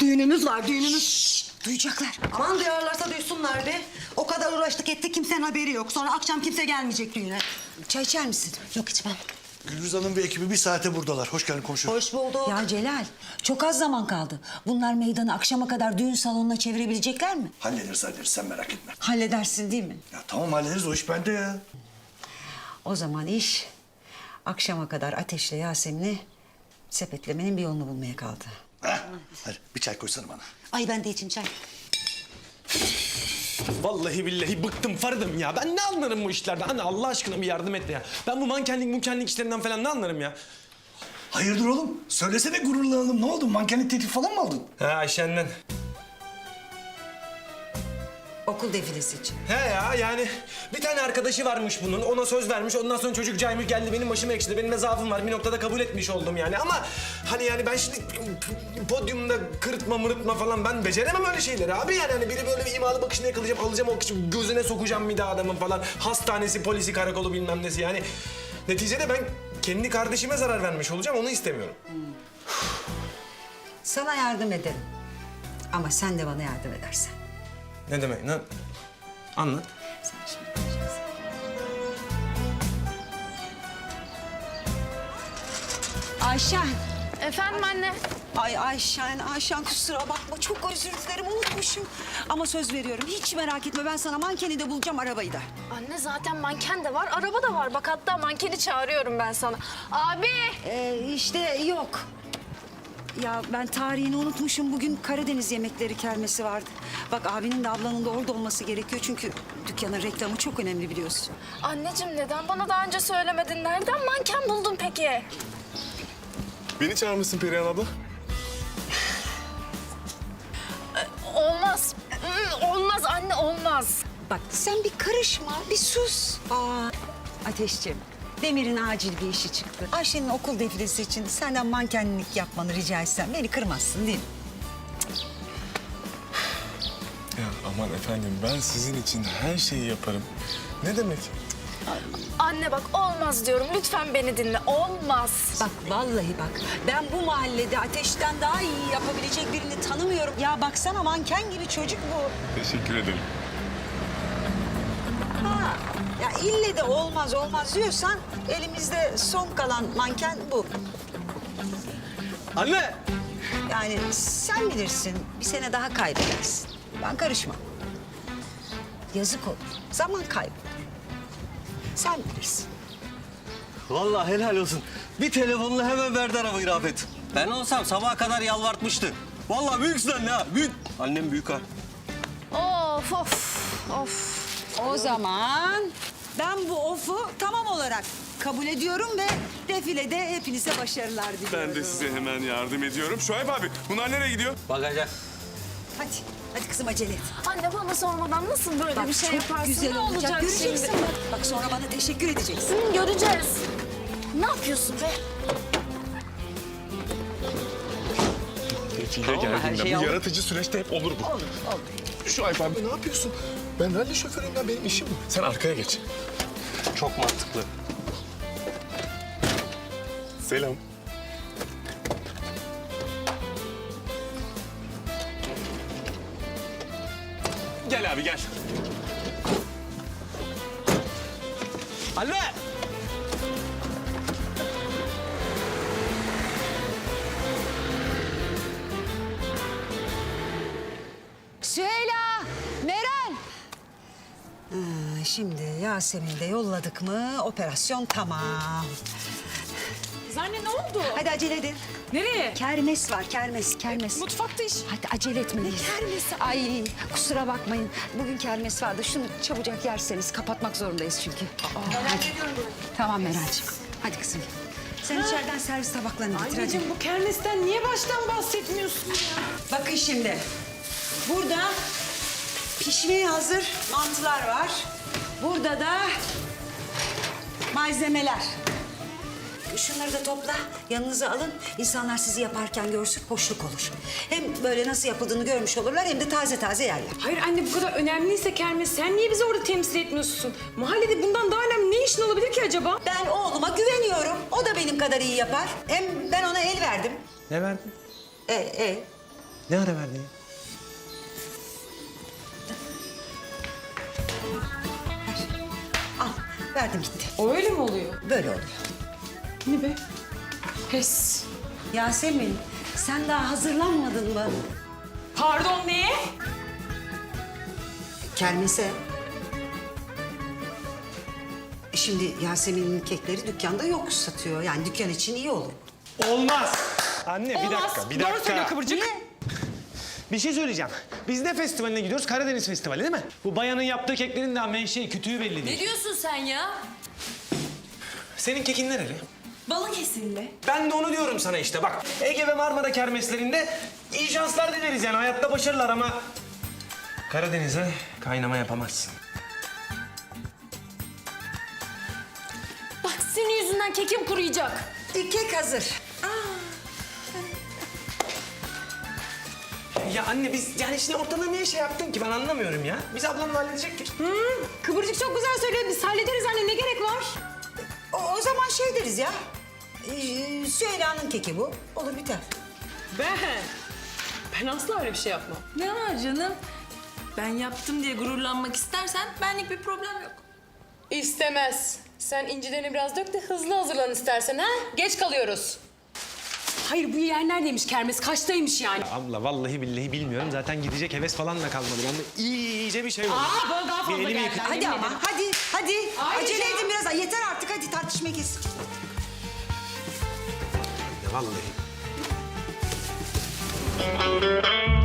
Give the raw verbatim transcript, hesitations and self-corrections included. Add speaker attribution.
Speaker 1: Düğünümüz var, düğünümüz.
Speaker 2: Şşş, duyacaklar.
Speaker 1: Aman duyarlarsa duysunlar be. O kadar uğraştık ettik, kimsenin haberi yok. Sonra akşam kimse gelmeyecek düğüne.
Speaker 2: Çay içer misin?
Speaker 1: Yok içmem.
Speaker 3: Gülriz Hanım ve ekibi bir saate buradalar. Hoş geldin komşu.
Speaker 1: Hoş bulduk.
Speaker 2: Ya Celal, çok az zaman kaldı. Bunlar meydanı akşama kadar düğün salonuna çevirebilecekler mi?
Speaker 3: Hallederiz hallederiz sen merak etme.
Speaker 2: Halledersin değil mi?
Speaker 3: Ya tamam hallederiz o iş bende ya.
Speaker 2: O zaman iş akşama kadar Ateş'le Yasemin'i sepetlemenin bir yolunu bulmaya kaldı.
Speaker 3: Heh, hadi bir çay koysana bana.
Speaker 1: Ay ben de içim çay.
Speaker 4: Vallahi billahi bıktım Faride'm ya. Ben ne anlarım bu işlerden? Anne Allah aşkına bir yardım et ya. Ben bu mankenlik munkenlik işlerinden falan ne anlarım ya?
Speaker 3: Hayırdır oğlum? Söylesene gururlanalım. Ne oldu? Mankenlik teklif falan mı aldın?
Speaker 4: He Ayşen'den.
Speaker 2: Okul defilesi için.
Speaker 4: He ya yani bir tane arkadaşı varmış bunun. Ona söz vermiş. Ondan sonra çocuk caymış geldi. Benim başıma ekşidi. Benim de zaafım var. Bir noktada kabul etmiş oldum yani. Ama hani yani ben şimdi podyumda kırıtma mırıtma falan ben beceremem öyle şeyleri abi. Yani hani biri böyle bir imalı bakışını yakalayacağım. Alacağım o kişi gözüne sokacağım bir daha adamın falan. Hastanesi, polisi, karakolu bilmem nesi yani. Neticede ben kendi kardeşime zarar vermiş olacağım. Onu istemiyorum.
Speaker 2: Sana yardım ederim. Ama sen de bana yardım edersen.
Speaker 4: Ne demek? Ne? Anlat.
Speaker 2: Sen şimdi göreceksin. Ayşen.
Speaker 5: Efendim anne?
Speaker 2: Ay Ayşen, Ayşen kusura bakma. Çok özür dilerim, unutmuşum. Ama söz veriyorum, hiç merak etme. Ben sana mankeni de bulacağım, arabayı da.
Speaker 5: Anne zaten manken de var, araba da var. Bak hatta mankeni çağırıyorum ben sana. Abi!
Speaker 2: Ee, işte yok. Ya ben tarihini unutmuşum. Bugün Karadeniz yemekleri kermesi vardı. Bak abinin de ablanın da orada olması gerekiyor. Çünkü dükkanın reklamı çok önemli biliyorsun.
Speaker 5: Anneciğim neden bana daha önce söylemedin? Nereden manken buldun peki?
Speaker 6: Beni çağırmışsın Perihan abla.
Speaker 5: Olmaz. Hmm, Olmaz anne, olmaz.
Speaker 2: Bak sen bir karışma, bir sus. Aa, Ateşciğim, Demir'in acil bir işi çıktı. Ayşe'nin okul defilesi için senden mankenlik yapmanı rica etsem beni kırmazsın değil mi?
Speaker 6: Ya aman efendim ben sizin için her şeyi yaparım. Ne demek?
Speaker 5: Anne bak olmaz diyorum. Lütfen beni dinle. Olmaz.
Speaker 2: Bak vallahi bak, ben bu mahallede Ateş'ten daha iyi yapabilecek birini tanımıyorum. Ya baksana manken gibi çocuk bu.
Speaker 6: Teşekkür ederim.
Speaker 2: Ha, ya ille de olmaz olmaz diyorsan elimizde son kalan manken bu.
Speaker 4: Anne!
Speaker 2: Yani sen bilirsin, bir sene daha kaybedersin. Ben karışmam. Yazık olur, zaman kaybı. Sen bilirsin.
Speaker 7: Vallahi helal olsun. Bir telefonla hemen verdi arabayı Rafet. Ben olsam sabaha kadar yalvartmıştı. Vallahi büyüksün anne ha, büyük. Annem büyük ha.
Speaker 5: Of of of.
Speaker 2: O zaman ben bu ofu tamam olarak kabul ediyorum ve defilede hepinize başarılar diliyorum.
Speaker 6: Ben de size hemen yardım ediyorum. Şuayb abi bunlar nereye gidiyor?
Speaker 7: Bakacak.
Speaker 2: Hadi, hadi kızım acele et.
Speaker 5: Anne bana sormadan nasıl böyle
Speaker 2: Bak
Speaker 5: bir şey
Speaker 2: çok
Speaker 5: yaparsın?
Speaker 2: güzel
Speaker 5: Ne
Speaker 2: olacak, göreceksin
Speaker 5: şimdi?
Speaker 2: bak. Bak sonra bana teşekkür edeceksin.
Speaker 5: Hı, göreceğiz. Ne yapıyorsun be?
Speaker 6: Defile
Speaker 7: Tamam, her
Speaker 6: geldiğinde
Speaker 7: şey
Speaker 6: bu
Speaker 7: olur.
Speaker 6: yaratıcı süreçte hep olur bu.
Speaker 2: Olur, olur.
Speaker 6: Şuayb abi ne yapıyorsun? Ben ralli şoförüyüm ya benim işim bu. Sen arkaya geç.
Speaker 7: Çok mantıklı.
Speaker 6: Selam. Gel abi gel.
Speaker 4: Anne!
Speaker 2: Süheyla, Meral. Ha, şimdi Yasemin'i de yolladık mı operasyon tamam.
Speaker 8: Anne ne oldu?
Speaker 2: Hadi acele edin.
Speaker 8: Nereye?
Speaker 2: Kermes var, kermes, kermes.
Speaker 8: Mutfakta iş.
Speaker 2: Hadi acele etmeliyiz.
Speaker 8: Kermesi.
Speaker 2: Ay kusura bakmayın. Bugün kermes vardı. Şunu çabucak yerseniz kapatmak zorundayız çünkü. Hadi. Tamam Meral'cığım. Hadi kızım. Sen içeriden servis tabaklarını getir hadi.
Speaker 8: Anneciğim bu kermesten niye baştan bahsetmiyorsun ya?
Speaker 2: Bakın şimdi. Burada pişmeye hazır mantılar var. Burada da malzemeler. Şunları da topla, yanınıza alın. İnsanlar sizi yaparken görsün, hoşluk olur. Hem böyle nasıl yapıldığını görmüş olurlar hem de taze taze yerler.
Speaker 8: Hayır anne bu kadar önemliyse kermes sen niye bizi orada temsil etmiyorsun? Mahallede bundan daha önemli ne işin olabilir ki acaba?
Speaker 2: Ben oğluma güveniyorum. O da benim kadar iyi yapar. Hem ben ona el verdim.
Speaker 4: Ne verdin?
Speaker 2: E, e.
Speaker 4: Ne ara verdin ya?
Speaker 1: Al verdim gitti.
Speaker 8: O öyle mi oluyor?
Speaker 1: Böyle oluyor.
Speaker 8: Ne be? Pes.
Speaker 2: Yasemin sen daha hazırlanmadın mı?
Speaker 8: Pardon neye?
Speaker 1: Kermese. E Şimdi Yasemin'in kekleri dükkanda yok satıyor. Yani dükkan için iyi olur.
Speaker 4: Olmaz. Anne bir
Speaker 8: Olmaz.
Speaker 4: dakika, bir
Speaker 8: Doğru
Speaker 4: dakika.
Speaker 8: söylüyor Kıvırcık.
Speaker 4: Bir şey söyleyeceğim. Biz ne festivaline gidiyoruz? Karadeniz Festivali değil mi? Bu bayanın yaptığı keklerin daha menşei, kütüğü belli değil.
Speaker 9: Ne diyorsun sen ya?
Speaker 4: Senin kekin nereli?
Speaker 9: Balıkesirli.
Speaker 4: Ben de onu diyorum sana işte bak. Ege ve Marmara kermeslerinde iyi şanslar dileriz yani. Hayatta başarılar ama... Karadeniz'e kaynama yapamazsın.
Speaker 5: Bak senin yüzünden kekim kuruyacak.
Speaker 1: E, kek hazır.
Speaker 4: Ya anne biz yani şimdi ortada niye şey yaptın ki ben anlamıyorum ya. Biz ablamla halledecektik.
Speaker 8: Kıvırcık çok güzel söylüyor. Biz hallederiz anne. Ne gerek var?
Speaker 1: O, o zaman şey deriz ya. Ee, Süheyla'nın keki bu. Olur biter.
Speaker 8: Ben. Ben asla öyle bir şey yapmam.
Speaker 9: Ne var canım? Ben yaptım diye gururlanmak istersen benlik bir problem yok.
Speaker 8: İstemez. Sen incilerini biraz dök de hızlı hazırlan istersen ha? Geç kalıyoruz. Hayır bu yer neredeymiş kermes? Kaçtaymış yani?
Speaker 4: Abla vallahi billahi bilmiyorum. Zaten gidecek heves falan da kalmadı. Ben de iyice bir şey oldu.
Speaker 8: Aa bana daha fazla
Speaker 4: Bir elimi
Speaker 8: geldi.
Speaker 4: yıkayayım.
Speaker 1: Hadi ama hadi hadi.
Speaker 8: Ayrıca-
Speaker 1: Acele edin biraz. Yeter artık hadi tartışmayı kes.
Speaker 4: Vallahi.